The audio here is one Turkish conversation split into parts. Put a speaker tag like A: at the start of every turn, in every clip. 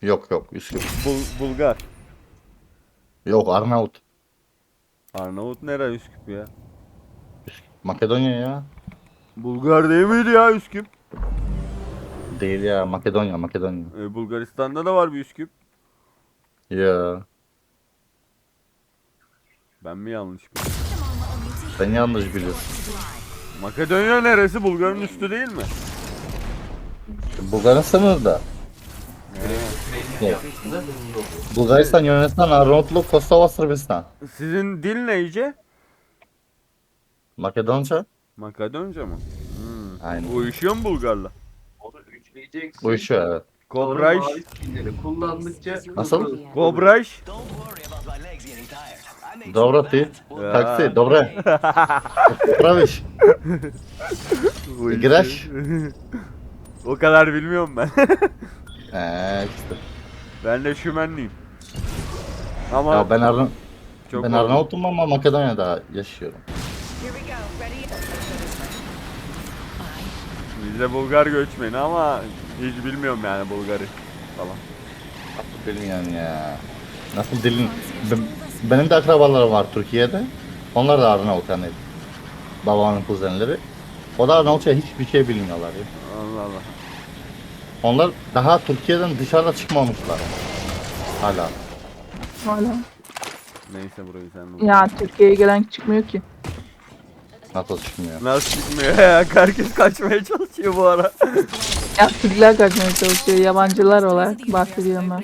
A: Yok yok Üsküp.
B: Bulgar.
A: Yok Arnavut.
B: Arnavut nere Üsküp ya?
A: Makedonya ya.
B: Bulgar değil miydi ya Üsküp?
A: Değil ya Makedonya Makedonya.
B: Bulgaristan'da da var bir Üsküp.
A: Ya
B: Ben mi yanlış biliyorum?
A: sen yanlış biliyorsun.
B: Makedonya neresi? Bulgar'ın üstü değil mi?
A: Bulgaristan sınırda. Yok. Bulgaristan, Yunanistan, Arnavutluk, Kosova, Sırbistan.
B: Sizin dil ne iyice?
A: Makedonca.
B: Makedonca mı?
A: Aynen.
B: Uyuşuyor mu Bulgar'la?
C: Onu üçleyeceksin.
A: Uyuşuyor evet.
C: Sonra
B: Kobraj.
C: mavi skinleri kullandıkça
A: Nasıl?
B: Kobraj.
A: Dobra ty. Taksi. Dobre. Praviş. Graş.
B: O kadar bilmiyorum ben.
A: İşte.
B: Ben de şümenliyim. Ama
A: Ya
B: çok
A: ben
B: oldu.
A: Arnavut'um ama Makedonya'da yaşıyorum.
B: Biz de Bulgar göçmeni ama hiç bilmiyorum yani Bulgar'ı falan.
A: Nasıl dilin yani ya? Nasıl dilin? Benim de akrabalarım var Türkiye'de. Onlar da Arnavut yani. Babamın kuzenleri. O da Arnavutça hiçbir şey bilmiyorlar ya.
B: Allah Allah.
A: Onlar daha Türkiye'den dışarıda çıkmamışlar. Hala.
D: Hala.
B: Neyse burayı sen bul.
D: Ya Türkiye'ye gelen çıkmıyor ki.
A: NATO çıkmıyor.
B: Nasıl çıkmıyor ya? Herkes kaçmaya çalışıyor bu ara.
D: Ya Türkler kaçmaya çalışıyor. Yabancılar olarak bahsediyorum ben.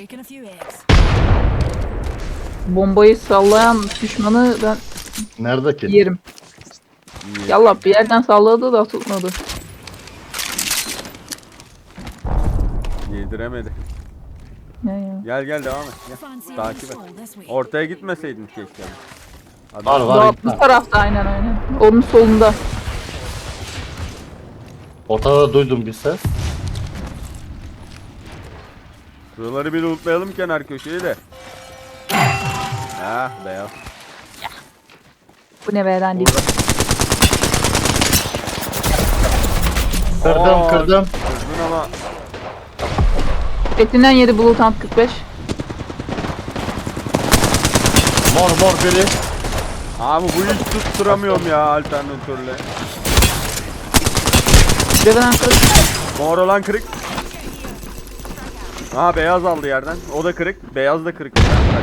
D: Bombayı sallayan düşmanı ben
A: Nerede ki?
D: yerim. Yallah bir yerden salladı da tutmadı.
B: Yediremedi.
D: Ya.
B: Gel gel devam et. Gel. Takip et. Ortaya gitmeseydin keşke. Hadi.
A: Var var.
D: Bu tarafta aynen. Onun solunda.
A: Ortada duydum bir ses.
B: Şuraları bir lootlayalım kenar köşeyi de. Ha beyaz.
D: Bu ne veren değil.
A: Kırdım kırdım.
B: Kırdın ama
D: Etinden yedi Bluetooth 45.
A: Mor biri.
B: abi bu hiç tutturamıyorum ya alternatörle.
D: Deveden kırık.
B: Mor olan kırık. Ha beyaz aldı yerden. O da kırık. Beyaz da kırık.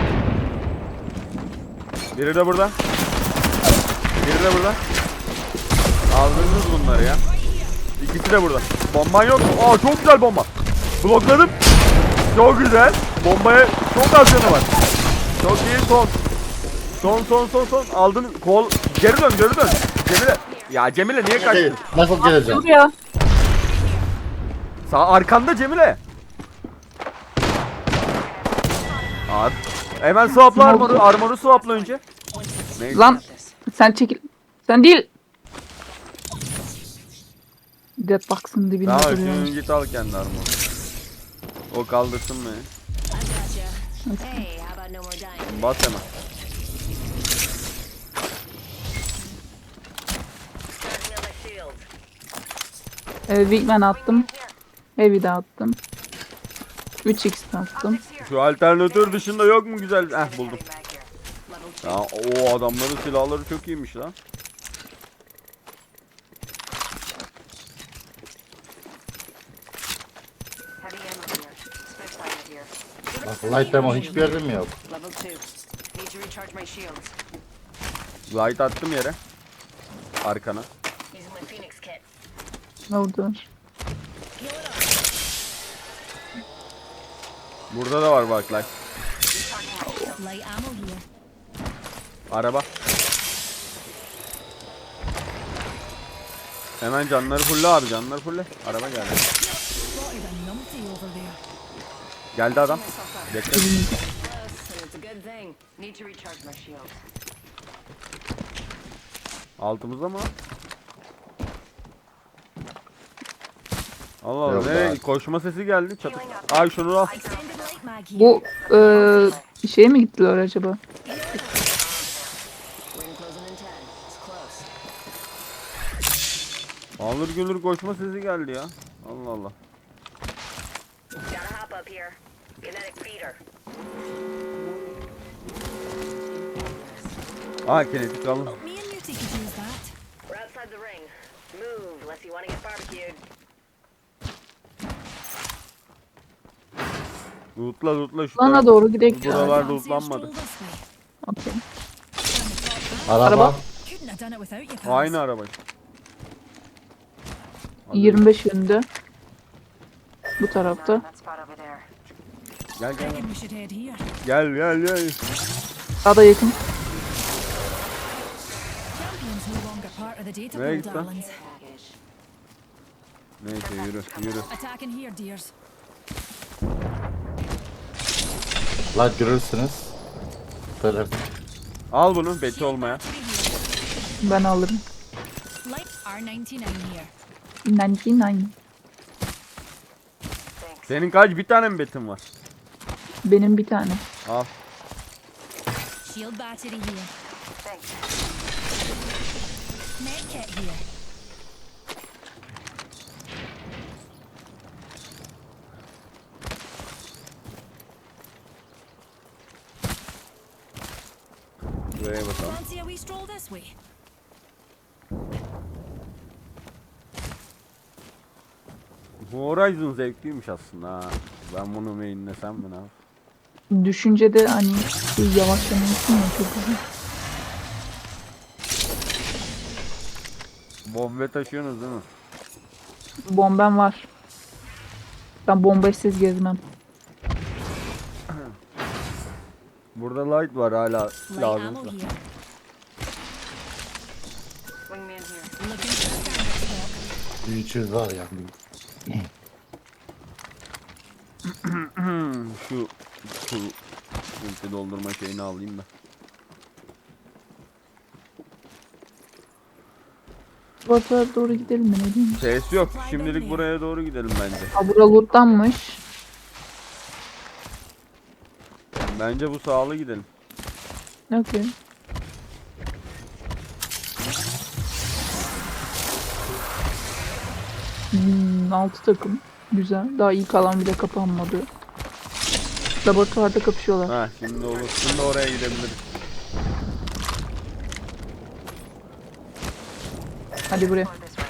B: Biri de burada. Biri de burada. Aldınız bunları ya. İkisi de burada. Bomban yok mu? Aa çok güzel bomba. Blokladım. Çok güzel. Bombaya çok az canı var. Çok iyi son. Son. Aldın. Kol. Geri dön. Cemile. Ya Cemile niye kaçtın?
A: Nasıl geleceğim?
D: Dur ya.
B: Sağ arkanda Cemile. Abi. Hemen swapla armoru. Armoru swapla önce. Neyse.
D: Lan sen çekil. Sen değil. Deadbox'ın dibinde
B: Tamam
D: duruyor.
B: şimdi git al kendi armoru. O kaldırsın beni.
E: Hey, how about no more dying?
B: Bas hemen.
E: Starting on my shield.
D: Wingman attım. Heavy de attım. 3x attım.
B: Şu alternatör dışında yok mu güzel? Buldum.
E: Back here. Level
B: Ya o adamların silahları çok iyiymiş lan.
E: heavy ammo here. Spec fire here.
A: Bak light ammo hiçbir yerde mi yok?
E: Level 2. Need to recharge my shields.
B: Light attım yere. Arkana.
E: Using my Phoenix kit.
D: Oldu.
B: Burada da var bak light.
E: Light ammo here.
B: Araba. Hemen canları fulle abi canları fulle. Araba geldi. Geldi adam. Bekle.
E: Close, and it's a good thing. Need to recharge my shields.
B: Altımızda mı? Allah Allah
A: Yok
B: nereye?
A: abi.
B: Koşma sesi geldi çatı. Ay şunu al.
D: Bu şeye mi gittiler acaba?
E: Ring closing in 10. It's close.
B: Alır gülür koşma sesi geldi ya. Allah Allah.
E: Gotta hop up here. Kinetic feeder.
B: Aa kinetik alın.
F: Me and Muti could use that.
E: We're outside the ring. Move, unless you want to get barbecued.
B: Lootla şu
D: Bana
B: taraf.
D: doğru gidelim ya.
B: Buralar
F: Fancy a
B: lootlanmadı.
F: stroll this way.
D: Okey.
A: Araba.
D: Araba.
F: Couldn't have done it without you, pals.
B: Aynı araba.
D: 25 yönünde. Bu tarafta.
E: That spot over there.
B: Gel gel.
F: Reckon we should head here.
B: Gel.
D: Daha da yakın.
F: Champion's no longer part of the data
B: Nereye
F: pool,
B: gitti lan?
F: darlings.
B: Neyse yürü.
F: Attacking here, dears.
A: La görürsünüz. Böyle
B: Al bunu beti olmaya.
D: Ben alırım.
F: Light R99 here.
D: 99.
B: Senin kaç bir tane mi betin var?
D: Benim bir tane.
B: Al.
F: Shield battery here.
E: Thanks.
F: Medkit here.
B: Buraya bakalım.
F: Fancy a wee stroll this way.
B: Bu Horizon zevkliymiş aslında ha. Ben bunu mainlesem mi ne yap?
D: Düşüncede hani yavaşlamalısın ya, çok güzel.
B: Bombe taşıyorsunuz değil mi?
D: Bombem var. Ben bombayısız gezmem.
B: Burada light var hala
F: Light ammo
B: lazımsa.
F: here.
E: Wingman here.
F: Looking for a standard stock.
A: 300 var ya.
B: Şu ulti doldurma şeyini alayım da.
D: Ortaya doğru gidelim mi, ne diyeyim?
B: Ses yok. Şimdilik buraya doğru gidelim bence.
D: Ha, bura lootlanmış.
B: Bence bu sağlı gidelim.
D: Okey. Hmm, 6 takım. Güzel. Daha ilk alan bile kapanmadı. Laboratuvarda kapışıyorlar.
B: Ha şimdi olur. Şimdi oraya gidebiliriz.
D: Hadi buraya.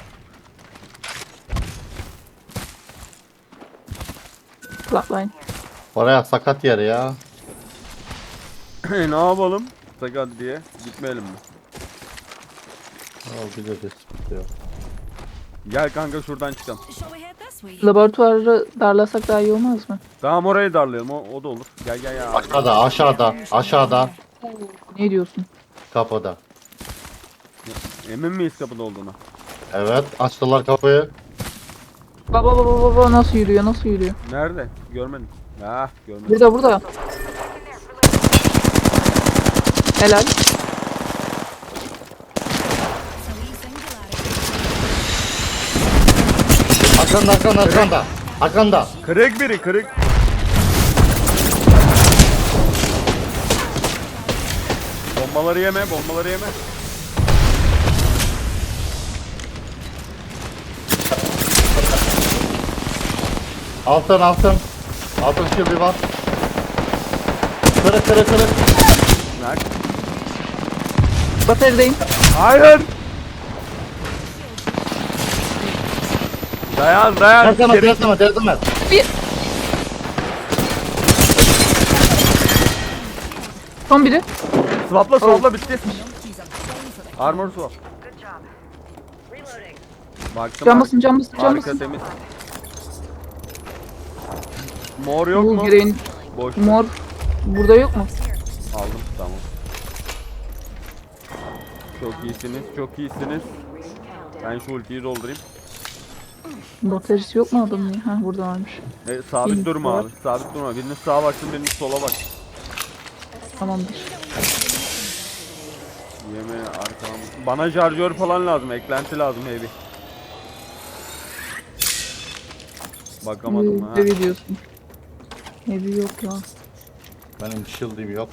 D: Flatline.
A: Oraya sakat yer ya.
B: Ne yapalım? Sakat diye gitmeyelim mi?
A: Al bir de diyor.
B: Gel kanka şuradan çıkalım.
F: Shall we head this way?
D: Laboratuvarı darlasak daha iyi olmaz mı?
B: Tamam orayı darlayalım. O da olur. Gel ya.
A: Aşağıda.
D: Ne diyorsun?
A: Kapıda.
B: Emin miyiz kapıda olduğuna?
A: Evet, açtılar kapıyı.
D: Baba nasıl yürüyor?
B: Nerede? Görmedim. Ha görmedim.
D: Burada. Helal.
F: It's a wee singularity.
A: Arkanda.
B: Kırık biri kırık. Bombaları yeme.
A: Altın. Altın şildi var. Kırık.
B: Nerede?
D: Bataryadayım.
B: Hayır. Dayan.
A: Terseme.
D: Bir. Son biri.
B: Swapla bitti. Armor swap.
E: Good job. Reloading.
B: Baktım.
D: Cam basın.
B: Harika temiz. Mor yok
D: Bu
B: mu?
D: gireyin.
B: Boş.
D: Mor. Burada yok mu?
B: Aldım tamam. Çok iyisiniz. Ben şu ultiyi doldurayım.
D: Bataryası yok mu adamın ya? Ha, burada varmış.
B: Sabit
D: Biriniz
B: durma
D: var.
B: abi. Sabit durma. Biriniz sağa baksın, biriniz sola bak.
D: Tamamdır.
B: Yeme arkam. Bana şarjör falan lazım. Eklenti lazım heavy. Bakamadım ha.
D: Heavy diyorsun. Heavy yok ya.
A: Benim shield'im yok.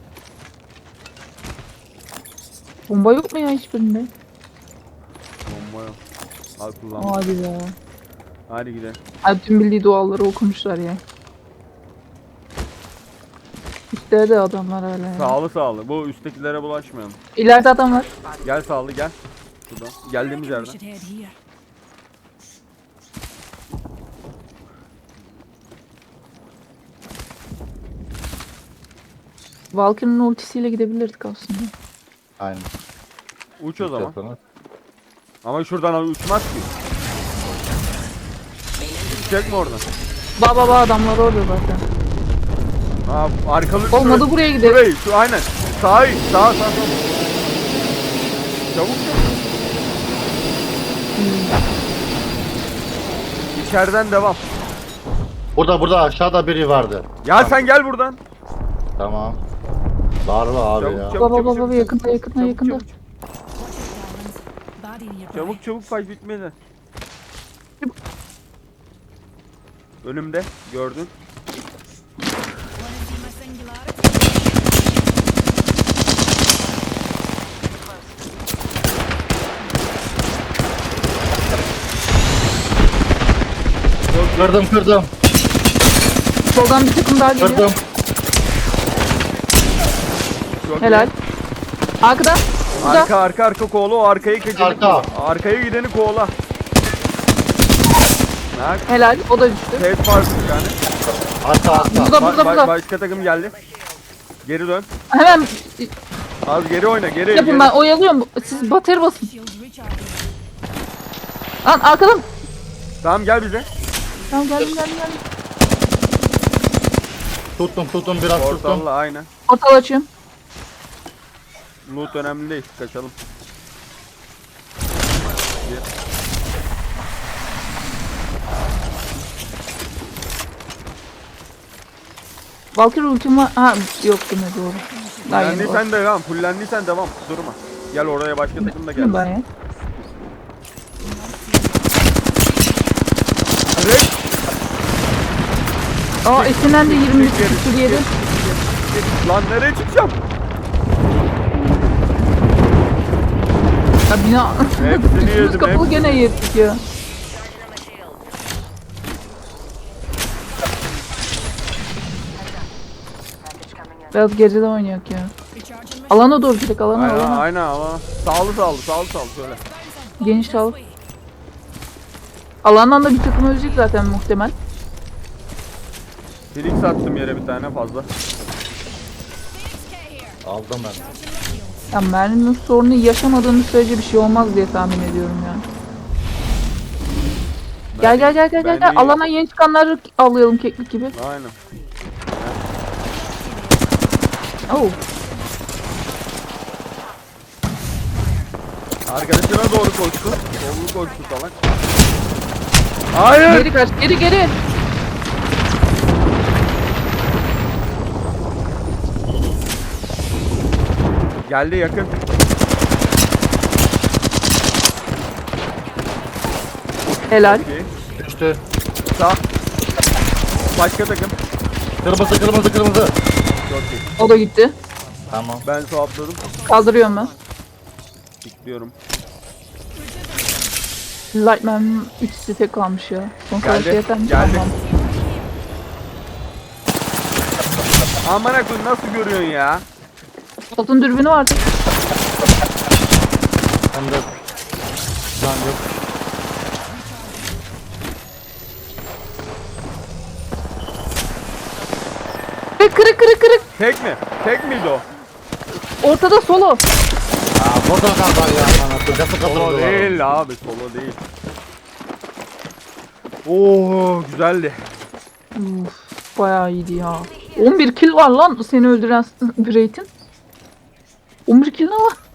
D: Bomba yok mu ya hiçbirinde?
B: Bomba yok. Al kullan.
D: Hadi be.
B: Hadi gidelim.
D: Hadi tüm bildiği duaları okumuşlar ya. Üstte de adamlar hala yani.
B: Sağlı. Bu üsttekilere bulaşmayalım.
D: İleride adam var.
B: Gel sağlı gel. Şuradan. Geldiğimiz
F: We
B: yerden.
F: should head here.
D: Valkyrie'nin ultisiyle gidebilirdik aslında.
A: Aynen.
B: Uç o zaman.
A: Yapalım.
B: Ama şuradan uçmaz ki. Uçacak mı oradan?
D: Baba adamlar orada zaten.
B: Aa, arkalı.
D: Olmadı buraya gidelim.
B: Şurayı, şu aynen. Sağ. Çabuk. İçeriden devam.
A: Burada aşağıda biri vardı.
B: Ya sen gel buradan.
A: Tamam. Darla abi
B: Çabuk,
A: ya.
B: çabuk.
D: Baba yakında.
B: Çabuk,
F: Watch out, darlings. Body nearby.
B: Çabuk fight bitmedi. Önümde gördün.
F: Wanna see my singularity?
A: Kırdım.
D: Soldan bir takım daha geliyor.
A: Kırdım.
B: Çok
D: Helal.
B: iyi.
D: Arkada. Burada.
B: Arka kovala, o arkayı gideni
A: Arka.
B: kovala. Arkaya gideni kovala. Nak.
D: Helal. O da düştü.
B: Ted var bir tane.
A: Arka.
D: Burada.
B: Başka takım geldi. Geri dön.
D: Hemen
B: Az geri oyna, geri.
D: yapın, ben oyalıyorum. Siz bateri basın.
F: Shields recharging.
D: Lan arkadan.
B: Tamam gel bize.
D: Tamam geldim.
A: Tuttum biraz tuttum.
B: Portalla aynen.
D: Portal açıyorum.
B: Loot önemli değil. Kaçalım.
D: Valkyrie ultim var. Ha yok değil mi, doğru. Daha yeni var.
B: Fullendiysen devam. Fullendiysen devam. Durma. Gel oraya başka takım da
D: Değil mi
B: gel.
D: ben ya?
B: Direkt.
D: Aa esinden de 21 küsur yedi.
B: Lan nereye çıkacağım?
D: Ya bina...
B: Hepsini
D: Üstümüz
B: yedim.
D: kapalı gene yedik ya. Biraz geride oynuyor ya.
F: Recharging my
D: Alana doğru gidelim, alana.
B: Aynen ama. Sağlı şöyle.
D: Geniş sağlık. Alandan da bir takım ölecek zaten muhtemel.
B: Felix attım yere bir tane fazla.
A: Aldım ben.
D: Ya merminin sorunu yaşamadığımız sürece bir şey olmaz diye tahmin ediyorum ya. Gel.
B: Bence iyi.
D: Alana yeni çıkanları avlayalım keklik gibi.
B: Aynen.
D: Oo.
B: Arkadaşına doğru koştu. Sollu koştu salak. Hayır.
D: Geri kaç, geri.
B: Geldi yakın.
D: Helal.
B: İyi.
A: Düştü.
B: Sağ. Başka takım.
A: Kırmızı.
B: Çok iyi.
D: O da gitti.
A: Tamam.
B: Ben swapladım.
D: Kaldırıyorum ben.
B: Bekliyorum.
D: Lightman 3 site kalmış ya. Son savaşı yeter mi?
B: Geldi.
D: Tamam.
B: Aman akıllı nasıl görüyorsun ya?
D: Altın dürbünü vardı.
A: Hem de can yok.
D: Kırık.
B: Tek mi? Tek miydi o?
D: Ortada solo.
A: Aa buradan kaldı ya. Bana kocası
B: Solo
A: kaldırdı.
B: değil abi, solo değil. Oo güzeldi.
D: Uf, bayağı iyiydi ya. 11 kill var lan seni öldüren Braid'in. 11 kill ne var?